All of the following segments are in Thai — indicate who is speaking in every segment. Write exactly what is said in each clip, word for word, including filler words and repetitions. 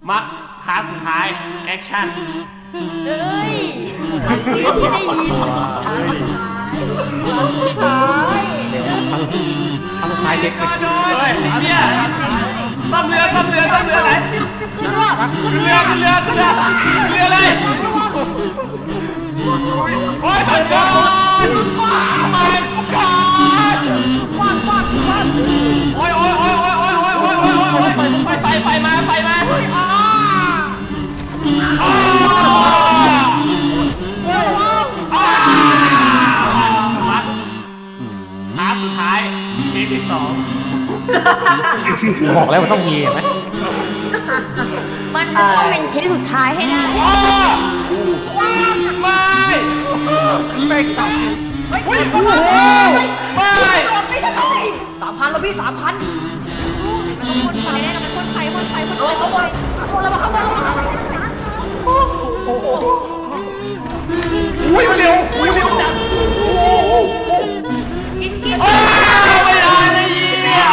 Speaker 1: มาพาร์ทสุดท้ายแอคชั่น
Speaker 2: เฮ้ยที่ได้ยิน
Speaker 3: เอาสุดท้ายเด็ก
Speaker 1: เฮ้ยไอ้เหี้ยซ่อมเรือซ่อมเรือซ่อมเรือไหนขึ้นเรือขึ้นเรือขึ้นเรือขึ้นเรือเรือเลยโอ้ยมันก่อนมันก่อนโอ้ยโอ้ยโอ้ยโอ้ยโอ้ยโอ้ยโอ้ยโอ้ยโอ้ยไฟไฟไฟมาไฟมาพาร์ทสุดท้ายเทปที่สอง
Speaker 3: บอกแล้วมันต้องมีไหม
Speaker 2: มันจะต้องเป็นเทปสุดท้ายให้ได้
Speaker 1: ไม่ไม่ต้องไม่ไม่
Speaker 4: สามพันแล้วพี่สามพัน
Speaker 2: มันต้องพ่นไฟแน่นอนมันพ่นไฟพ่นไฟพ่นไฟพ่นไฟพ่นแล้วมาเข้ามา
Speaker 1: อุ้ยเร็วอุ้ยเร็วจัง
Speaker 2: กินกิน
Speaker 1: ไม่ได้เลยยี่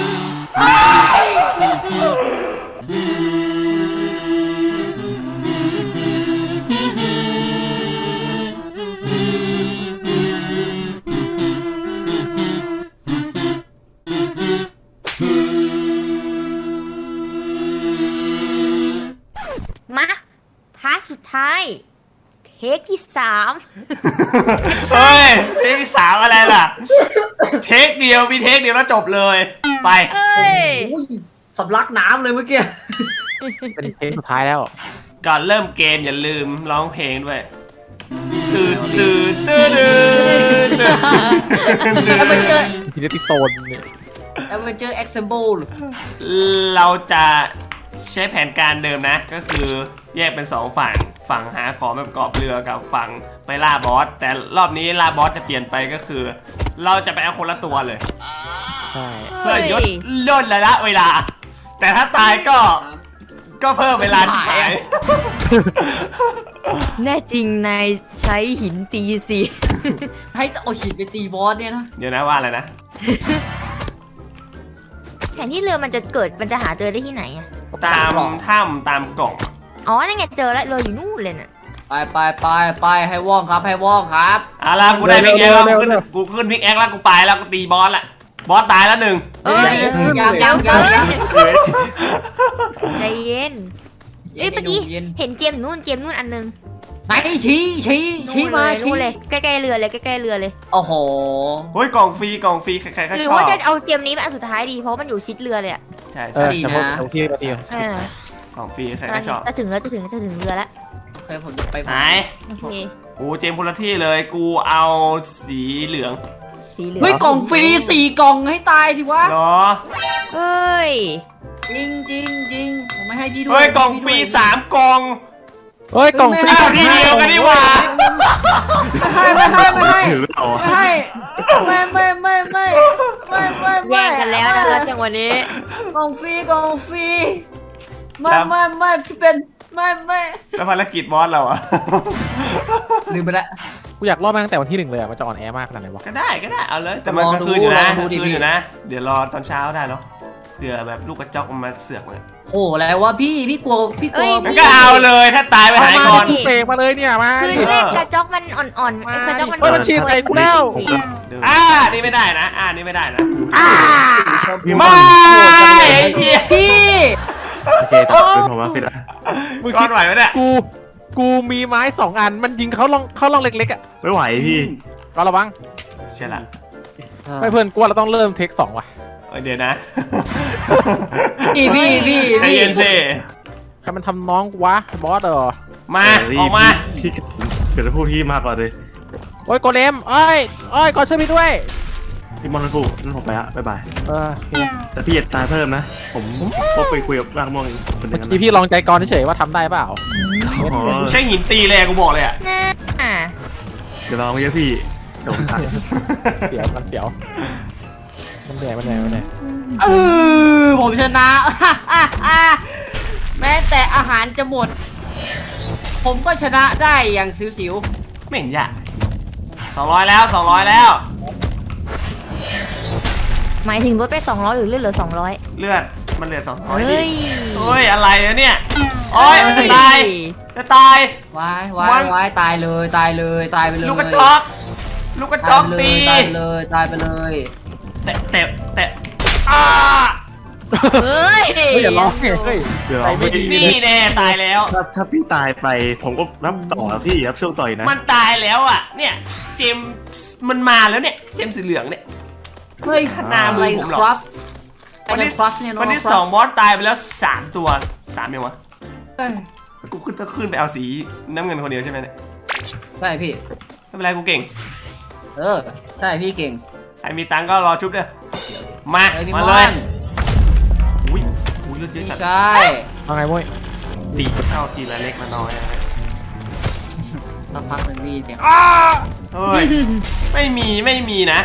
Speaker 2: มาพาร์ทสุดท้ายเทคที่สาม
Speaker 1: เฮ้ยเทคที่สามอะไรล่ะเทคเดียวมีเทคเดียวแล้วจบเลยไป
Speaker 2: เอ้ย
Speaker 4: สำลักน้ำเลยเมื่อกี้
Speaker 3: เป็นเพลงสุดท้ายแล้ว
Speaker 1: ก่อนเริ่มเกมอย่าลืมร้องเพลงด้วยตื่นตื่นตื่นตื่นตื่น
Speaker 4: แล้วมันเจอ
Speaker 3: ทีนี้ติโตนเนี่ย
Speaker 4: แล้วมันเจอเอ็กซ์เบิล
Speaker 1: เราจะใช้แผนการเดิมนะก็คือแยกเป็นสองฝั่งฝั่งหาของแบบกอบเรือกับฝั่งไปล่าบอสแต่รอบนี้ล่าบอสจะเปลี่ยนไปก็คือ เราจะไปเอาคนละตัวเลย
Speaker 3: ใช่
Speaker 1: เพื่อยดย่นระยะเวลาแต่ถ้าตายก็ก็เพิ่มเวลาที่หาย
Speaker 2: แน่จริงนายใช้หินตีสิ
Speaker 4: ให้เอาหินไปตีบอสเนี่ยนะ
Speaker 1: เดี๋ยวนะว่าอะไรนะ
Speaker 2: แผนที่เรือมันจะเกิดมันจะหาเจอได้ที่ไหนอะ
Speaker 1: ตามถ้ำตามกล่อง
Speaker 2: อ๋อนั่นไงเจอแล้วเรืออยู่นู่นเลยน่ะ
Speaker 4: ไปไปไปไปให้ว่องครับให้ว่องครับ
Speaker 1: เอาล่ะกูได้พิกแอคแล้วกูขึ้นกูขึ้นพิกแอคแล้วกูไปแล้วกูตีบอสละบอสตายแล้วหนึ่ง
Speaker 2: เอ้ย
Speaker 4: ยังยังยังยัง
Speaker 2: ใจเย็นเอ้ยเมื่อกี้เห็นเจมนู่นเจมนู่นอันนึง
Speaker 4: ไหนชี้ชี้ชี้มาชี้
Speaker 2: เลยใกล้ๆเรือเลยใกล้ๆเรือเลย
Speaker 4: โอ้โห
Speaker 1: เฮ้ยกล่องฟรีกล่องฟรีใครๆก็ชอบ
Speaker 2: หรือว่าจะเอาเจมนี้เป็นอันสุดท้ายดีเพราะมันอยู่ชิดเรือเลยอ่ะ
Speaker 1: ใช่ใช่
Speaker 3: แต่พวกเอาที่มาดี
Speaker 1: กล่องฟรีใครก็ชอบ
Speaker 2: จะถึงแล้วจะถึงจะถึงเรือแล้ว
Speaker 4: เคยผมไป
Speaker 1: ไหน
Speaker 2: โอเค
Speaker 1: กูเจมคนละที่เลยกูเอาสีเหลือง
Speaker 2: สีเหลือง
Speaker 4: เฮ้ยกล่องฟรีสี่กล่องให้ตายสิวะ
Speaker 1: เหรอ
Speaker 2: เฮ้ย
Speaker 4: จริงจริงจริงผมไม่ให้พี่ด้วย
Speaker 1: เฮ้ยกล่องฟรีสามกล่อง
Speaker 3: เฮ้ยกล่องฟรี
Speaker 1: ทีเดียวกันดีกว่า
Speaker 4: ไม่ให้ไม่ให้ไม่ให้ไม่ไม่ไม่ไม่ไม่ไม่ไม่
Speaker 2: แย่งกันแล้วนะคะจังวันนี้
Speaker 4: กล่องฟรีกล่องฟรีไม่ไม่ไม่พี่เป็นไม่ไม่
Speaker 1: แล้วภารกิจบอสเราอะ
Speaker 4: ลืมไปแล้ว
Speaker 3: กูอยากรอดมาตั้งแต่วันที่หนึ่งเลยอะมันจะอ่อนแอมากขนาดไหนวะ
Speaker 1: ก็ได้ก็ได้เอาเลยแต่มันก็คืนอยู่นะคืนอยู่นะเดี๋ยวรอตอนเช้าได้เนาะเดี๋ยวแบบลูกกระจอกมันมาเสือกเลย
Speaker 4: โอ้แล้วว่าพี่พี่กลัวพี่กลัว
Speaker 1: ก็เอาเลยถ้าตายไปหายก่อน
Speaker 3: เสกมาเลยเนี่ยมา
Speaker 2: คือเลขกระจอกมันอ่อนๆกระจอกมัน
Speaker 3: มันฉีดใส่กูแล้ว
Speaker 1: อ่านี่ไม่ได้นะอ่านี่ไม่ได้นะ
Speaker 4: อ่า
Speaker 1: ไม่พี่
Speaker 3: โอเคตัดเป็นผมว่าผิดละ
Speaker 1: มึงคิดไหวไหมเนี่ย
Speaker 3: กูกูมีไม้สองอันมันยิงเขาลองเขาลองเล็กๆอ่ะ
Speaker 5: ไม่ไหวพี่
Speaker 3: ก็ระวัง
Speaker 1: ใช่ละ
Speaker 3: ไม่เพื่อนกูว่าเราต้องเริ่มเทคสองว่ะ
Speaker 1: เดี๋ยวนะ
Speaker 4: พี่พี่พี่
Speaker 1: ใจเย็นสิ
Speaker 3: ใครมันทำน้องกูวะบอสเหรอ
Speaker 1: มาออกมา
Speaker 5: พี่เกิดจะพูดพี่มากกว่าเลย
Speaker 3: โอ้ยโกเลมเอ้ยเอ้ยกอช่วยพี่ด้วย
Speaker 5: พี่มอนนั่นกูนั่นผมไปละบ๊ายบาย
Speaker 3: เออ
Speaker 5: แต่พี่อย่าตายเพิ่มนะผมก็ไปคุยกับร่างม่วงคนนึง
Speaker 3: พี่พี่ลองใจกรเฉยว่าทำได้เปล่า
Speaker 1: ใช่หินตีเลยกูบอกเลยอ่ะ
Speaker 5: เดี๋ยวลองไปเยอะพี่เดี๋ยวผมถ่าย
Speaker 3: เสียวมันเสียวมันแดงมันแดงมันแดง
Speaker 4: เออผมชนะแม้แต่อาหารจะหมดผมก็ชนะได้อย่างสิว
Speaker 1: ๆไม่เห็นยากสองร้อยแล้วสองร้อยแล้ว
Speaker 2: หมายถึงลดไปสองร้อยหรือเลือดเหลือสองร้อย
Speaker 1: เลือดมันเหลือสองร้อย
Speaker 2: เฮ้
Speaker 1: ดิ
Speaker 2: ย
Speaker 1: เฮ้ยอะไรอะเนี่ยโอ้ยจะตายจะตาย
Speaker 4: วายวายวายตายเลยตายเลยตายไปเลย
Speaker 1: ลูกกระจอกลูกกระจอกตี
Speaker 4: ตายไปเลยตายไปเลย
Speaker 1: แตะแตะแตะอ้า
Speaker 2: เฮ้ย
Speaker 3: เฮ้ยอย่าร้องเฮ้ย
Speaker 5: เดี๋ยว
Speaker 3: ไปไม่ดี
Speaker 1: นี่แน่ตายแล้ว
Speaker 5: ถ้าถ้าพี่ตายไปผมก็รับต่อพี่รับช่วงต่อยนะ
Speaker 1: มันตายแล้วอ่ะเนี่ยเจมส์มันมาแล้วเนี่ยเจมส์สีเหลืองเนี่ย
Speaker 4: เฮ้ย
Speaker 1: หน้ามือผมหรอ
Speaker 4: ครับ
Speaker 1: วันที่
Speaker 4: ครับเนี่ย
Speaker 1: วันที่
Speaker 4: ครับ
Speaker 1: สองบอสตายไปแล้วสามตัวสามยังวะ
Speaker 4: เฮ้ย
Speaker 1: กูขึ้นก็ขึ้นไปเอาสีน้ำเงินคนเดียวใช่ไหมเนี่ย
Speaker 4: ใช่พี่
Speaker 1: ไม่เป็นไรกูเก่ง
Speaker 4: เออใช่พี่เก่ง
Speaker 1: ใครมีตังค์ก็รอชุบเด้อมา
Speaker 4: เฮ้ยพี่
Speaker 1: มา
Speaker 4: ม่
Speaker 1: เล
Speaker 4: อย น
Speaker 1: อุ้ยอุ้ยเลือดเยอะ
Speaker 4: พี่
Speaker 1: จัด
Speaker 4: ชาย
Speaker 3: ว่าไงมุ้ย
Speaker 1: ตีเข้าทีละเล็กมาน้อยนะ
Speaker 4: สักพักหนึ่งพี่เสียง
Speaker 1: อ้าเฮ้ยไม่มีไม่มีนะ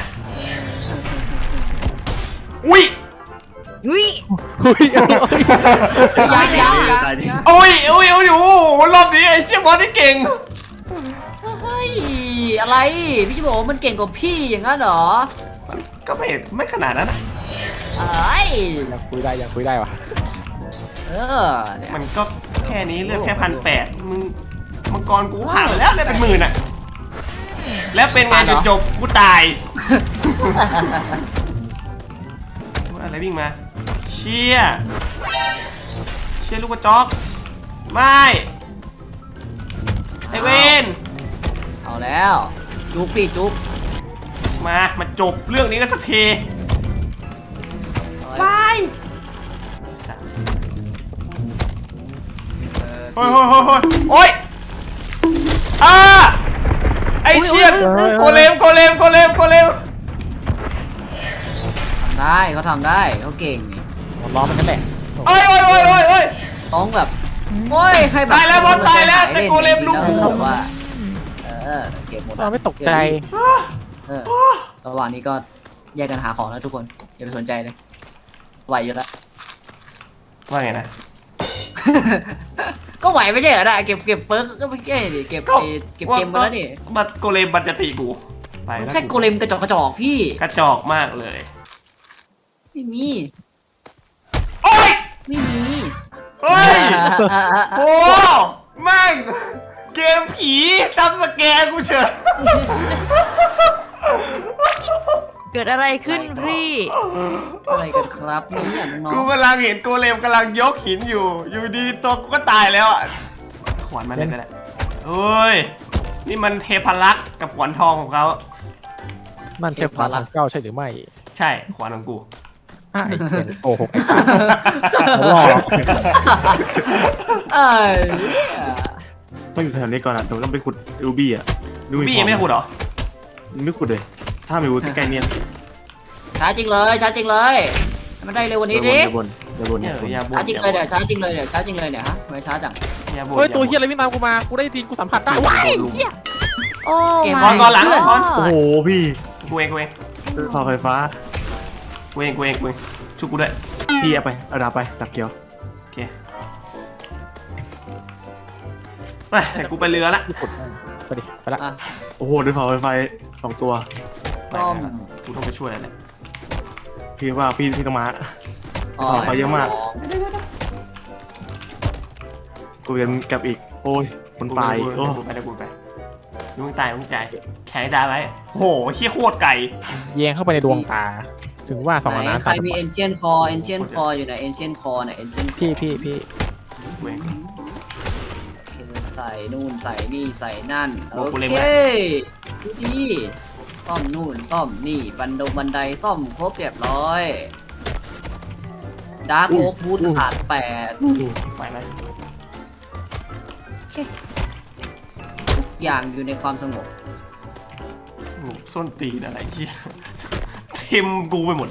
Speaker 1: อุ้ย
Speaker 2: อุ้ย
Speaker 3: อุ้ย
Speaker 4: ยังยังยัง
Speaker 5: ตายดิ
Speaker 1: อุ้ยอุ้ยอุ้ยโอ้โหรอบนี้ไอ้เชี่ยบอสนี่เก่ง
Speaker 4: เฮ้ยอะไรพี่จะบอกว่ามันเก่งกว่าพี่อย่างนั้นเหรอ
Speaker 1: ก็ไม่ไม่ขนาดนั้นนะ
Speaker 4: เอ้ย
Speaker 3: อยากคุยได้อยากคุยได้วะ
Speaker 4: เออเนี่ย
Speaker 1: มันก็แค่นี้เลือดแค่พันแปดมึงมังกรกูผ่านไปแล้วเลือดเป็นหมื่นอะแล้วเป็นไงจุดจบกูตายอะไรวิ่งมาเชี่ยเชี่ยลูกกระจอกไม่ไอเวน
Speaker 4: เอาแล้วจุ๊บพี่จุ๊บ
Speaker 1: มามาจบเรื่องนี้กันสักที
Speaker 4: ไป
Speaker 1: โอ้ยโอ้ยโอ้ยโอ้ยอ่าไอเชี่ยโกเลมโกเลมโกเลมโกเลม
Speaker 4: ทำได้เขาทำได้เขาเก่งนี่
Speaker 3: ผมร้องมันนั่นแหละ
Speaker 1: โอ้ยโอ้ยโอ้ยโอ้ยโอ้ย
Speaker 4: ต้องแบบโอ้ยให้แบบ
Speaker 1: ตายแล้วบอลตายแล้วแต่โกเลมลูกกู
Speaker 4: แล้วแบบว่าเออเก็บหมด
Speaker 3: เราไม่ตกใจ
Speaker 4: เออระหว่างนี้ก็แยกกันหาของนะทุกคนอย่าไปสนใจเลยไหวอยู่แล้ว
Speaker 1: ว่าไงนะ
Speaker 4: ก็ไหวไม่ใช่เหรอนะเก็บเก็บเปิร์กก็ไม่ใช่ดิเก็บ
Speaker 1: ก็
Speaker 4: ไอ้เก็บเกมมาแล้วนี่
Speaker 1: บัตโกเลมบัตจะตีกูไปแล้ว
Speaker 4: แค่โกเลมกระจอกกระจอกพี่
Speaker 1: กระจอกมากเลย
Speaker 4: ไม่มี
Speaker 1: โอ้ย
Speaker 4: ไม่มี
Speaker 1: เฮ้ยโอ้แม่งเกมผีจำสแกนกูเฉย
Speaker 2: เกิดอะไรขึ้นพี่
Speaker 4: อะไรกันครับเนี่ยน้อง
Speaker 1: กูกำลังเห็นโกเลมกำลังยกหินอยู่ อยู่ดีตัวกูก็ตายแล้วอะขวานมันได้แหละเฮ้ยนี่มันเทพลักษ์กับขวานทองของเขา
Speaker 3: นั่นใช่ความของเจ้าใช่หรือไม่
Speaker 1: ใช่ขวานของกู
Speaker 3: อ้าวไอ้เหี้ยโอ้โหไอ้สัตว์เขาหลอก
Speaker 4: ๆเอ้ย
Speaker 5: ต้องอยู่แถวนี้ก่อนอ่ะแต่ต้องไปขุดรูบี้อ่ะรู
Speaker 1: บี้ยังไม่ได้ขุดเหรอ
Speaker 5: ไม่ขุดเลย ถ้ามีวุฒิใกล้ๆเนี่ย
Speaker 4: ช้าจริงเลยช้าจริงเลยให้มันได้เร็วกวันนี้ดิ
Speaker 5: เดี๋ยวบนเดี๋ยวบน
Speaker 1: เนี่
Speaker 5: เดี๋
Speaker 1: ย
Speaker 5: ยวบน
Speaker 1: อย่าบ่น
Speaker 4: ช้าจริงเลยเดี๋ยวช้าจริงเลยเดี๋ยวช้าจริงเลยเนี่ยฮะทำไมช้าจัง
Speaker 1: อย่าบ่น
Speaker 3: เฮ้ยตัว
Speaker 1: อา
Speaker 3: เฮียอะไรวิ่งตามกูมากูได้ทีนกูสัมผัสได้ว้ายเฮีย
Speaker 2: โอ้
Speaker 4: เกม
Speaker 1: ก่อนก่อนหลัง
Speaker 2: my
Speaker 1: ก่อน
Speaker 2: god
Speaker 5: โอ้โหพี่
Speaker 1: กูเองกูเอง
Speaker 5: เสาไฟฟ้า
Speaker 1: กูเองกูเองกูเองชุบกูด้วย
Speaker 5: พี่เอาไปเอาดาบไปดับเกียว
Speaker 1: โอเคไปแต่กูไปเรือละ
Speaker 3: กดไปดิไปละ
Speaker 4: อ่ะ
Speaker 5: โอ้โหด้วยเสาไฟไฟสองตัว
Speaker 1: ไปละกูต้องไปช่วยแล้วแหละ
Speaker 5: พี่ว่าพี่พี่ต้องมา
Speaker 4: อ๋อ
Speaker 5: ขอไปเยอะมาก กูยังกลับอีก โอ้ยคนปลาย
Speaker 1: กู
Speaker 5: โอ้
Speaker 1: ไปกูไปกูไปมึงตายมึงใจแข็งตายไว้โหเฮี้ยโคตรไก่
Speaker 3: แยงเข้าไปในดวงตา ถึงว่าสองอัน
Speaker 4: ไหน
Speaker 3: นั้น
Speaker 4: ใครมี ancient core ancient core อยู่ไหน ancient core เนี่ย ancient
Speaker 3: พี่พี่พี่
Speaker 1: กูเอง
Speaker 4: คือใส่นู่นใส่นี่ใส่นั่น
Speaker 1: โอ้
Speaker 4: โอ
Speaker 1: กูเล็ง
Speaker 4: เค
Speaker 1: ไว้
Speaker 4: ดูดีซ่อมนู่นซ่อมนี่บันดงบันไดซ่อมครบเรียบร้อยดาร์กโอ๊กบูทขาดแปด
Speaker 1: ไปไหม
Speaker 4: ทุกอย่างอยู่ในความสงบ
Speaker 1: โอ้ส้นตีนอะไรเฮี้ยทิมกูไปหมด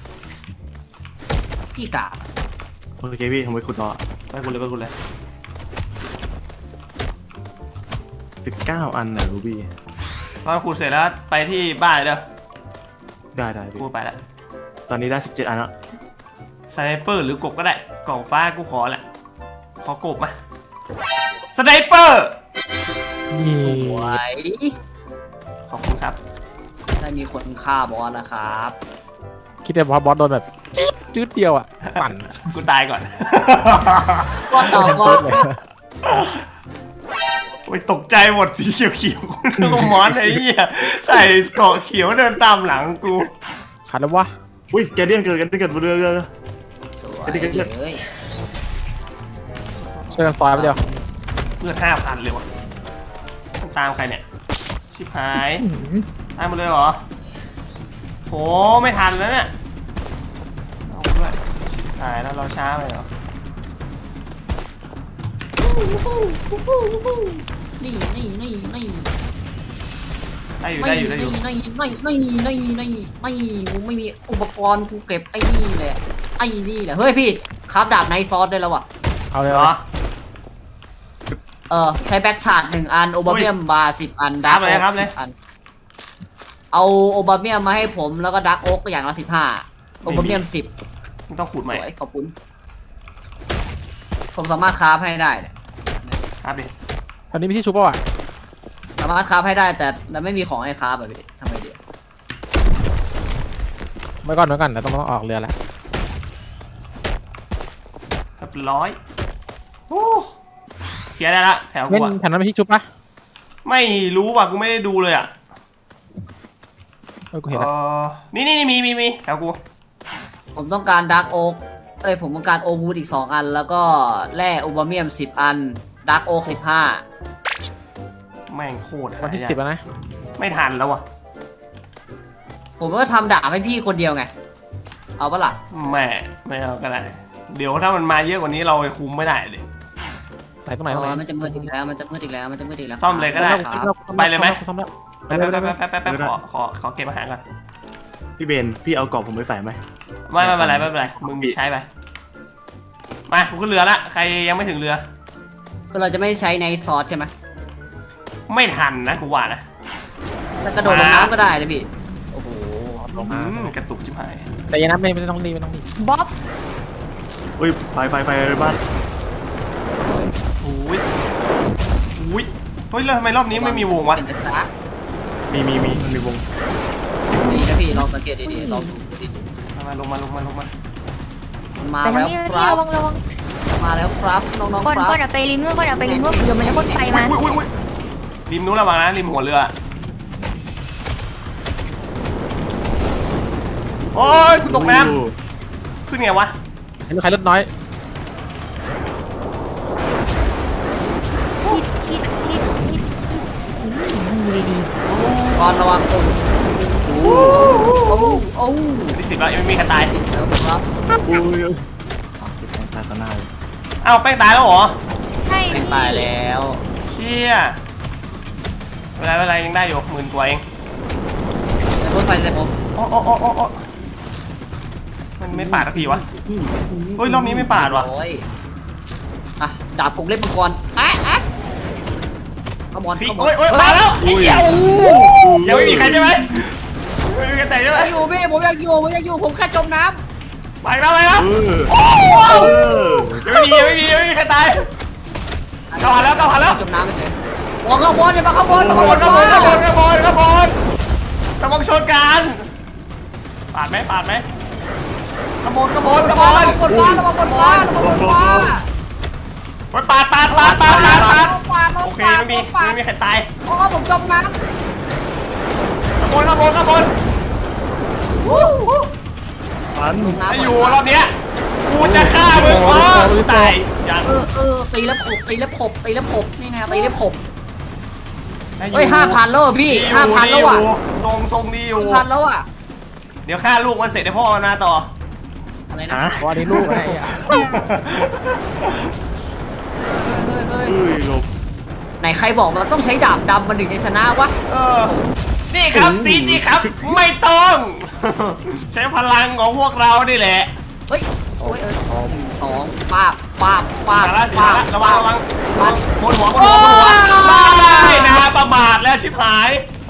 Speaker 4: พี่กาบ
Speaker 5: โอเคพี่ทำไมขุดต่อ
Speaker 1: ไปกูเลยไปกูเลย
Speaker 5: สิบเก้าอันน่ะรูบี้
Speaker 1: ตอนขุดเสร็จแล้วไปที่บ้านเลยเด้อ
Speaker 5: ได้ได้พี่
Speaker 1: กูไปละ
Speaker 5: ตอนนี้ได้สิบเจ็ดอันแล้ว
Speaker 1: สไนเปอร์หรือกบก็ได้กล่องฟ้ากูขอแหละขอกบมาสไนเปอร์
Speaker 3: นี่
Speaker 4: ไหว
Speaker 1: ขอบคุณครับ
Speaker 4: ได้มีคนฆ่าบอสนะครับ
Speaker 3: คิดว่าบอสโดนแบบจืดจืดเดียวอ่ะฝัน
Speaker 1: กูตายก่อน
Speaker 4: ก็ต่อก็
Speaker 3: เลย
Speaker 1: โอ้ยตกใจหมดสีเขียวๆกูนึกว่ามอนไอ้เหี้ยใส่เกาะเขียวเดินตามหลังกู
Speaker 3: ขาดแล้ววะ
Speaker 5: อุ้ยแกเดียนเกิดกันเกิดบนเรือเรือ
Speaker 4: สวย
Speaker 5: ไอ้นี่ก็เกิด
Speaker 4: เลย
Speaker 3: ช่วยกันซอยไปเดียว
Speaker 1: เพื่อห้าพันเลยวะตามใครเนี่ยชิบหายตามมาเลยเหรอโหไม่ทันแล้วเนี่ยเอาด้วยตายแล้วเราช้าไปเหรอ
Speaker 4: นี่นี่นี่นี่
Speaker 1: ได้อยู่ได้อยู่ได้อยู่
Speaker 4: นี่นี่นี่นี่นี่นี่นี่กูไม่มีอุปกรณ์กูเก็บไอ้นี่แหละไอ้นี่แหละเฮ้ยพี่คราฟดาบไนท์ซอสได้แล้วว่ะ
Speaker 3: เอาเลย
Speaker 1: เหรอ
Speaker 4: เออใช้แบ็กชาร์ดหนึ่งอันโอบาเมียมบาร์สิบอัน
Speaker 1: ครับเลยครับเลย
Speaker 4: อันเอาโอบาเมียมมาให้ผมแล้วก็ดักโอ๊กอย่างละสิบห้าโอบาเมียมสิบ
Speaker 1: ไม่ต้องขูดให
Speaker 4: ส
Speaker 1: ม่
Speaker 4: วยขอบคุณผมสามารถคราฟให้ได้เนี่ย
Speaker 1: ครับดิ
Speaker 3: ตอนนี้มีที่ชุบป่ะวะ
Speaker 4: สามารถคราฟให้ได้แต่แต่ไม่มีของให้คราฟแบบนี้ทำไงดี
Speaker 3: ไว้ก่อนไว้ก่อนเดี๋ยวต้องต้องออกเรือแล้ว
Speaker 1: เรียบร้อยโอ้เคลียร์ได้ละแถวกู
Speaker 3: เล่น
Speaker 1: อะ
Speaker 3: แถวนั้นมีที่ชุบปะ
Speaker 1: ไม่รู้ว่ะกูไม่ได้ดูเลยอ่ะ
Speaker 3: เออกูเห็น
Speaker 1: เอ
Speaker 3: แล้ว
Speaker 1: อนี่นี่นี่มีมีมีแถวกู
Speaker 4: ผมต้องการดักโอ๊กเอ้ยผมต้องการโอวูดอีกสองอัน แล้วก็แร่โอบาเมียมสิบอันดักโอ๊กสิบห้า
Speaker 1: แม่งโคตร
Speaker 3: วันที่
Speaker 1: หายาก
Speaker 3: สิบแล้วนะ
Speaker 1: ไม่ทันแล้วว่ะ
Speaker 4: ผมก็ทำดาบให้พี่คนเดียวไง เอาปะล่ะ
Speaker 1: แม่ไม่เอาก็ได้เดี๋ยวถ้ามันมาเยอะกว่านี้เราไปคุมไม่ได้เลย
Speaker 3: ไหนตรงไหนตรงไหน
Speaker 4: อ๋อมันจะมืดอีกแล้วมันจะมืดอีกแล้วมันจะมืดอีกแล้ว
Speaker 1: ซ่อมเลยก็ได้
Speaker 4: ครับ
Speaker 1: ไปเลยไหม
Speaker 3: ซ่อมแล้ว
Speaker 1: แป๊บแป๊บแป๊บแป๊บแป๊บแป๊บขอขอขอเก็บอาหารก่อน
Speaker 5: พี่เบนพี่เอากรอบผมไปใส่ไหม
Speaker 1: ไม่ไม่เป็นไรไม่เป็นไรมึงใช้ไปมากูขึ้นเรือละใครยังไม่ถึงเรือ
Speaker 4: คือเราจะไม่ใช้ในซอสใช่ไหม
Speaker 1: ไม่ทันนะกูว่านะ
Speaker 4: แล้วกระโดดลงน้ำก็ได้เลยพี่ โอ้โห
Speaker 3: ลงมา
Speaker 1: อืมกระตุกชิบหาย
Speaker 3: แต่อยังนั้นไม่ไม่ต้องรีบไม่ต้องรีบ
Speaker 2: บ๊อบ
Speaker 5: อุ้ยไฟไฟไฟบ้าน
Speaker 1: อุ้ยอุ้ยเฮ้ยแล้วทำไมรอบนี้ไม่มีวงวะ
Speaker 4: เห็นไหมจ๊ะ
Speaker 5: มีมีมีมันมีวง
Speaker 4: ดีนะพี่ลองสังเกตดีๆลองดูดิ
Speaker 1: มาลงมาลงมาลงมา
Speaker 4: มันมา
Speaker 2: แต่ทา
Speaker 4: แล้
Speaker 2: ง
Speaker 4: ว
Speaker 2: นี้
Speaker 4: ค
Speaker 2: นี่
Speaker 4: รับ
Speaker 2: ระวังระวัง
Speaker 4: มาแล้วครับน้องๆ
Speaker 2: ก่อน
Speaker 4: ค
Speaker 2: ก่อน
Speaker 4: รับ
Speaker 2: อะไปริมนู้นก่อนอะไปริมนู้นเดี๋ยวมันจะพ่นไฟมา
Speaker 1: อุ้ยอุ้ยอุ้ยริมนู้นระวังนะริมหัวเรือโอ้ยกูตกน้ำขึ้นไงวะ
Speaker 3: เห็นใครรถน้อย
Speaker 2: ชิดชิดชิดชิดชิดอืมดูดี
Speaker 4: ก่อนระวังตุ่มโอ้โอ้โอ้
Speaker 1: ที่สิบแล้วยังไม่มีใครตาย
Speaker 4: แล้วครับ
Speaker 5: อุ้ยติดแทงตาต่อหน้าเลย
Speaker 1: เอ้าแป้งตายแล้วเหรอ
Speaker 2: ๆใช่
Speaker 4: เป็น
Speaker 2: พี่
Speaker 4: ตายแล้ว
Speaker 1: เชี่ยเวลาเวลายังได้อยู่หมื่นกว่าเอง
Speaker 4: รถไฟเลยผม
Speaker 1: โอ้โอ้โอ้โอ้โอ้มันไม่ปาดสักทีวะ เฮ้ยรอบนี้ไม่ปาดว่ะ
Speaker 4: โอ้ยอ่ะดาบกงเล็บมังกรอ่ะอ่ะขมอน
Speaker 1: พี่
Speaker 4: ขมอน
Speaker 1: โอ้ยโอ้ยมาแล้วไอ้เหี้ยโอ้โหยังไม่มีใครใช่ไหมไม่มีใครแต่ใช่ไหม
Speaker 4: ไม่อยู่พี่ผมอยากอยู่ผมอยากอยู่ผมแค่จมน้
Speaker 1: ไปแล้วไปแล้ว
Speaker 5: เออ
Speaker 1: โอ้โห
Speaker 5: เออ
Speaker 1: ยังไม่มียังไม่มียังไม่มีใครตาย
Speaker 4: ำ
Speaker 1: เข้ามาแล้วเข้ามาแล้ว
Speaker 4: จมน้ำไปเลยโอ้ข้างบนเนี่ยมาข้างบน
Speaker 1: ขบวนขบวนขบวนขบวนขบวนขบวนชนกันปาดไหมปาดไหมขบวนขบวนขบวน
Speaker 4: บนฟ้าระวังบนฟ้าระวังบนฟ้า
Speaker 1: ปาดปาดปาดปาดปาดปาด
Speaker 4: ปาด
Speaker 1: โอเคไม่มีไม่มีใครตาย
Speaker 4: โอ้ผมจมน้
Speaker 1: ขบวนขบวนขบวน
Speaker 5: ฟัน
Speaker 4: ำ
Speaker 1: ถ้าอยู่รอบเนี้ยกูจะฆ่ามึงอ๋อตายยัง
Speaker 4: เออเออตีแล้วขบตีแล้วขบตีแล้วขบนี่นะตีแล้วขบ
Speaker 1: ถ้อยู่
Speaker 4: เฮ้ยห้าพันแล้วพี่
Speaker 1: ดีอยู่
Speaker 4: ห้าพัน
Speaker 1: ดี
Speaker 4: แล้ว
Speaker 1: อยู่
Speaker 4: อ่ะ
Speaker 1: ทรงทรงดีอยู่
Speaker 4: พันแล้วอ่ะ
Speaker 1: เดี๋ยวฆ่าลูกมันเสร็จเดี๋ยวพ่อมันมาต่อ
Speaker 4: อะไรนะ
Speaker 5: ฮะ
Speaker 3: วันนี้ลูกไอ้อะ
Speaker 4: เฮ้ย
Speaker 5: อุ้ยหลบ
Speaker 4: ไหนใครบอกมันต้องใช้ดาบดำมันถึงจะชนะวะ
Speaker 1: เออนี่ครับซีนี่ครับ ไม่ต้อง ใช้พลังของพวกเรานี่แหละ
Speaker 4: เฮ้ยโอ้ยเออหนึ่งสองป้าบป้าบป้าบ
Speaker 1: มาละสิมาละระวังระวัง
Speaker 4: ป้าบ
Speaker 1: บนหัวบนหัวบนหัวไม่นะประมาทแล้วชิบหาย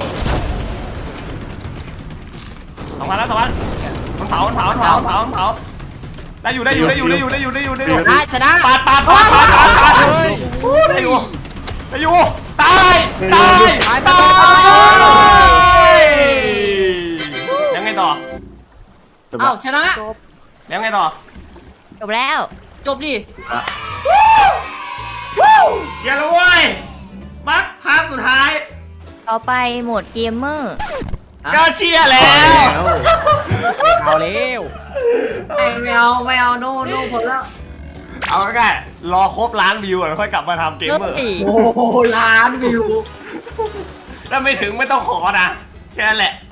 Speaker 1: สองพันแล้วสองพันมันเผามันเผามันเผามันเผามันเผาได้อยู่ได้อยู่ได้อยู่ได้อยู่ได้อยู่ได้อยู่ได้อยู่
Speaker 4: ชนะชนะ
Speaker 1: ปาดปาดปาดปาดปาดปาดได้อยู่ได้อยู่ตายตายตายยังไงต่อ
Speaker 5: จบ
Speaker 4: อ้า
Speaker 5: แล้ว ว
Speaker 4: ชนะ
Speaker 1: แล้วไงต่อ
Speaker 2: จบแล้ว
Speaker 4: จบดิ
Speaker 1: เชียร์แล้วเว้ยมักภาคสุดท้าย
Speaker 2: ต่อไปโหมดเกมเมอร์
Speaker 1: ก็เชียร์แล้ว
Speaker 3: เอาแล้ว
Speaker 4: ไม่เอาไม่เอาโน่โน่พอแล้ว
Speaker 1: เอาง่ายๆรอครบล้านวิวแล้วค่อยกลับมาทำเกมเมอร์
Speaker 2: เฮ้ย
Speaker 4: โอ้โหล้านวิว
Speaker 1: ถ้าไม่ถึงไม่ต้องขอนะแค่นั้นแหละ